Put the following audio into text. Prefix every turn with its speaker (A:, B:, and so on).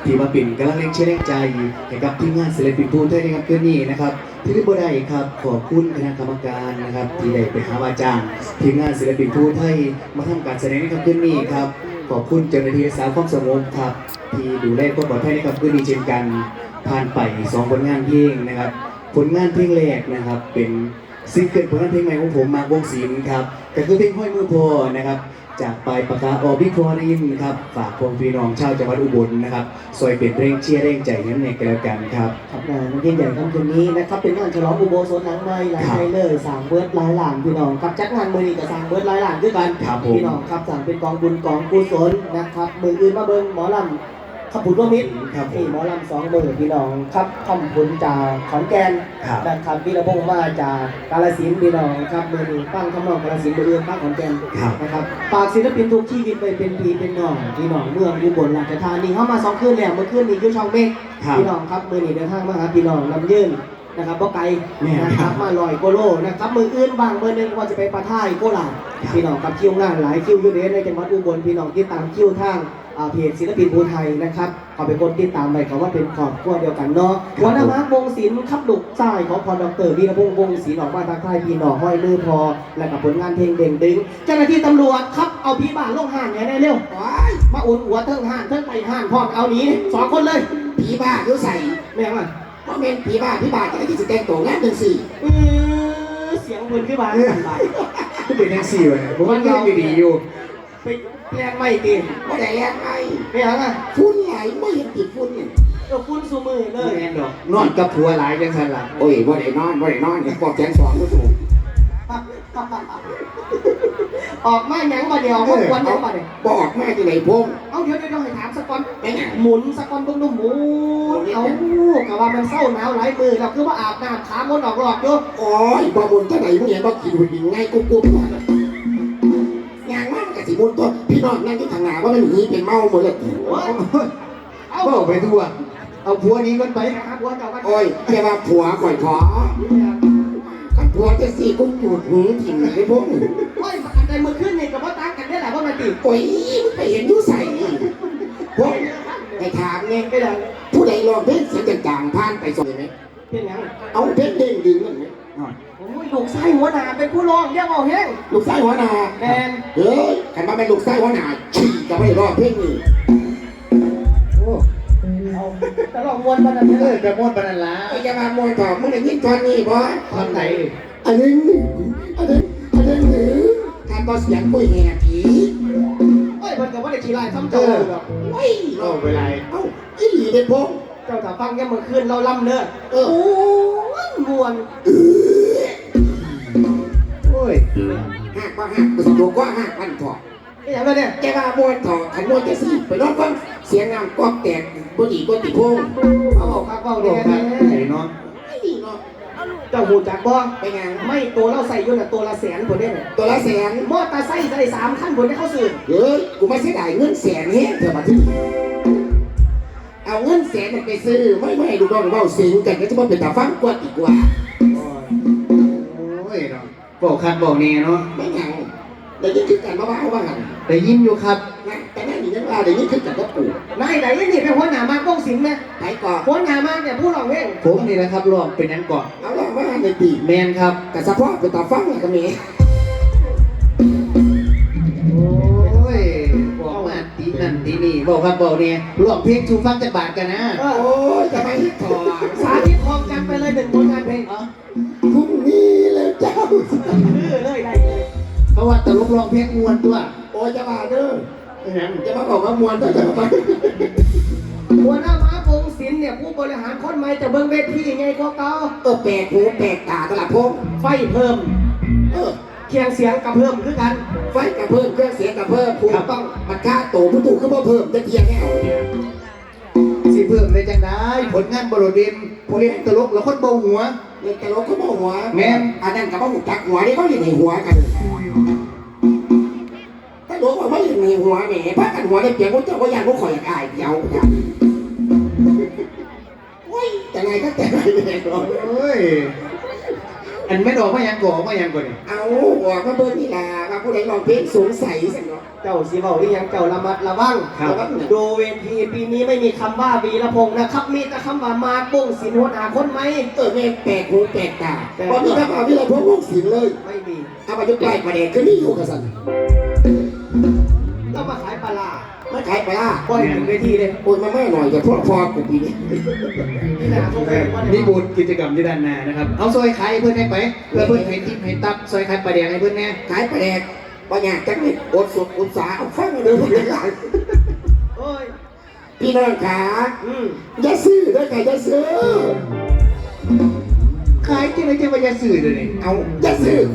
A: ที่มาเป็นกำลังแรงเชียร์แรงใจให้กับทีมงานศิลปินผู้ไทยนะครับคืนนี้นะครับที่ได้บ่ได้ครับขอบคุณคณะกรรมการนะครับที่ได้ไปหาว่าจ้างทีมงานศิลปินผู้ไทยมาทำการแสดงในค่ำคืนนี้ครับขอบคุณเจ้าหน้าที่รักษาความสงบครับที่ดูแลความปลอดภัยในค่ำคืนนี้เช่นกันผ่านไป2ผลงานเพลงนะครับผลงานเพลงแรกนะครับเป็นซิงเกิลผลงานเพลงใหม่ของผมมากวงศิลป์ครับก็คือเพลงห้อยมือพอนะครับจากปลายปากกาอบิคอรินครับฝากพวกพี่น้องชาวจังหวัดอุบลนะครับซอยเป็นเร่งเชียร์เร่งใจนั้นในกันแล้วกันครับ
B: ครับงานยิ่งใหญ่ค่ำคืนนี้นะครับเป็นงานฉลองอุโบสถหลังใหม่หลังใหม่เลยสร้างเบิร์ดหลายหลานพี่น้องครับจัดงานมือนี้กับสร้างเบิร์ดหลายหลานด้วยกันพี่น้องครับสั่งเป็นกองบุญกองกุศลนะครับมืออื่นมาเบิ้งหมอลำขับผุนร่วมมิตรนี่หมอลำ2 มือพี่น้องครับคำผุนจากขอนแก่นนะครับพี่ระพงษ์มาจากกาฬสินธุ์พี่น้องครับมือนี้ฟังคำนองกาฬสินธุ์มืออื่นฟังขอนแก่นนะครับฝากศิลปินทุกชีวิตไปเป็นพี่เป็นน้องพี่น้องเมืองอุบลราชธานีเข้ามา2 คืนแล้วเมื่อคืนนี้อยู่ช่องเมฆพี่น้องครับมือนี้เดินทางมาหาพี่น้องลำยืนนะครับบ่ไกลนะครับมา100 กว่าโลนะครับมืออื่นบางมือนึงว่าจะไปปะท่ายโคราชพี่น้องกับคิวงานหลายคิวอยู่ในจังหวัดอุบลพี่น้องที่ตามคิวทางเพจศิลปินภูไทยนะครับเขาเป็นคนติดตามไปเขาว่าเป็นครอบครัวเดียวกันเนาะหัวหน้าม้าวงศิลป์ขับดุกใต้ของพอดรวีรพงษ์วงศิลป์ออกมาทักทายพี่น้องห้อยมือพอและกับผลงานเพลงเด่งดึงเจ้าหน้าที่ตำรวจครับเอาพี่บ้านลงห้างเนี่ยได้เร็วมาอุ่นหัวเทิงห้างเทิงไปห้างพร้อมเอาหนี2 คนเลย
C: ผีบ้าอยู่ใส่
B: แม่งอ่ะ
C: เพราะเป็นผีบ้าจะได้ที่จะแต่งตัวงานจังสี่
B: เสียงคนขึ้นมาสั่นไหล
A: ก็เป็นแท็กซี่เลยผมว่าเราดีอยู่
B: ไปแรงไม่ตี
C: ไม่ได้แรงไง
B: ไม่หรอก
C: ฝุ่นไหลไม่เห็นติดฝุ่นเนี่ย
B: ฝุ่นสูมือเลย
A: แน่นอนนอนกับผัวหลายจังสันหลัง
C: โอ้ยว่าได้นอนปอกแขน2 ก็ถูก
B: ออกมาหยังมาเดียวมาวันยังมาเดียว
C: บอกแม่ที่ไหนพง
B: เอาเดี๋ยวให้ถามสักก่อนหมุนสักก่อนต้องหมุนเอากะว่ามันเศร้าหนาวหลายมือเราคือว่าอาบน้ำขามดออกหลอกอยู่
C: โอ้ยบ่บนที่ไหนมึงเห็นบ่กินหุ่นง่ายกุ๊บอย่างมากกับสิบุญตัวพี่น้องนั่งที่ทางหน้าว่ามันหีเป็นเมาหมดเลย
A: เอาไปทั่วเอาผัวนี้กันไป
C: โอ้ยแค่ว่าผัวข่อยขอกันผัวจะสี่กุ๊บจุดหูถิ่นไอ้พวก
B: โอ้ยอันใดมือขึ้นนี่กับว่าตั้งกันได้แหละว่ามันติ
C: โอ้ยไปเห็นยูใส่พวกไปถามไง
B: ไปเลย
C: ผู้ใดลองเพลงเสียงจางๆผ่านไปส่งไหม
B: เพลงยัง
C: เอาเพลงเด้งดึงนั่นไหม
B: โอ้ยลูกไส้หัวหนาเป็นผู้ร้องเรียกเอาแห้ง
C: ลูกไส้หัวหนา
B: แมน
C: เฮ้ยขันมาเป็นลูกไส้หัวหนาฉี่จะไม่รอดเพลงนี้
B: โอ้เอาแต่ลองม้วนปนันเลย
A: แต่ม้วนปนันละ
C: จะมามวยต่อมึงได้ยินตอนนี้บ่
A: ตอนไหน
C: อันนี้การต่อเสียงคุยแห่ผี
B: เฮ้ยมันกับว่าเด็กขี้ลายซ้ำเจอแบบ
C: เฮ้ย
A: เอาเวลา
C: อีหลีเด็กพง
B: เจ้าถ้าฟังแค่เมื่อคืนเราล่ำเนื้อโอ้ยมวน
A: โอ้ย
C: หักว่าหักตัวตัวก็หักพันถอด
B: นี่อย่างไรเนี่ย
C: แกว่ามวนถอดขันมวนจะสิไปรอบฟังเสียงงามก็แตกบุหรี่ก็ติดพง
B: เอาครับเอาเนี่ย
A: เนาะ
C: ไม่ดีเนาะ
B: เจ้าหูจักบ้อง
C: ไปงาน
B: ไม่ตัวเราใส่ยุ่นตัวละ100,000คนเนี่ย
C: ตัวละ100,000
B: มอเตอร์ไซค์ใส่3 คันคนที่เขาซื้อ
C: เฮ้ยกูไม่เสียดายเงิน100,000เฮ้ยเธอมาที่เอาเงิน100,000มันไปซื้อไม่ดูบ้องเบ้าสิงกันก็จะมาเป็นตาฟังกว่าอีกว่า
A: โอ้ยเนาะบอกคันบอกเนี่ยเนาะ
C: ไม่ยังแต่ยิ่งขึ้นกันมาบ้าว่างัน
A: แต่ยิ้มอยู่ครับ
C: แต่นั่นนี่ยังว่าแต่ยิ่งขึ้นกันก็ปู่
B: นายไหนนี่เป็นหัวหน้ามากต้องสิงไหม
C: ไหนก่อน
B: หัวหน้ามากเนี่ยผู้หลอกเอง
A: ผมนี่นะครับรอบเป็นนั้นก่อน
C: เอาล่ะว่าในปี
A: แมนครับ
C: แต่เฉพาะเป็นตาฟังก็มี
A: โอ้ยบอกมาตีนั่นตีนี่บอกครับบอกเนี่ยรวมเพลงชูฟังจากบาทกันนะ
C: โอ้ยจะไปถอด
B: สาธิตพร้อมกันไปเลย1 ผลงานเพลง
C: พรุ่งนี้แล้วเจ้า
B: เลยได้
A: เพราะว่าตลกร้องเพลงมวนตัว
C: โอ้ยจะมาเด้อจะมาบอกว่ามวนตัวจะมา
B: หัวหน้าม้าวงศิลป์เนี่ยผู้บริหารคนใหม่จะเบิ้งเวทีไงก็เก่า
C: แปลกหูแปลกตาตลาดพง
B: ไฟเพิ่มเคียงเสียงกับเพิ่มคือกัน
C: ไฟกับเพิ่มเครื่องเสียงกับเพิ่มผูต้องมันค่าโตผู้ถูกขึ้นมาเพิ่มจะเทียงแน่
A: สิเพิ่มเลยจังได้ผลงานบริเวณผู้เล่นตลกแล้วคนเบาหัว
C: เล่นตลกเขาเบาหัว
A: แม่
C: อันนั้นกับว่าหุบจักหัวนี่เขาเล่นในหัวกันถ้ารู้ว่าไม่เล่นในหัวแหมพักกันหัวได้เปลี่ยนพวกเจ้าก็ยังพวกข่อยอยากอายเดียวกันโอ้ยแต่ไงก็แต่ไงเนี่ย
A: โอ้ยอันไม่ดอกไม่ยังก่อไม่ยังก่อน
C: เอาหัวก็เบอร์นี่แหละว่าผู้ใดลองเพลงสงสัยสิเนาะ
B: เจ้าสีเบาอีหยังเจ้าระมัดระวัง
A: ครับ
B: ดูเวทีปีนี้ไม่มีคำว่าวีรพงษ์นะครับ มีแต่คำว่ามาปุ้งสินหัวหน้าคนไหม
C: แม่แปลกหูแปลกตาตอนนี้ถ้ามาที่เราพวกลูกศิลป์เลย
B: ไม่มี
C: เอามายุใกล้ประเด็นคือนี่อยู่กับสัน
B: แล้วมาขายปลาร้า
C: ไม่ขายไปล่ะ
B: ปล่อยถึงเวทีเลย
C: โอนมาแม่หน่อยแต่พวกพอกูปีนี้
B: นี่นะพวกเราว่า
A: นี่บูธกิจกรรมที่ด้านหน้านะครับเอาซอยขายให้เพื่อนได้ไปเพื่อเพื่อนเห็นทิปเห็นตับซอยขายปลาแดงให้เพื่อนแน่
C: ขายประเด็นบางอย่างจังนี่อดสุดอดสาเอาฟังเดิมทุกอย่าง
B: โอ้ย
C: พี่น้องขา
B: อย่
C: าซื้อด้วยกันอย่าซื้อ
A: ขายจริงเลยจะมาจะสื่อเลยนี่
C: เอาอย่าซื้อ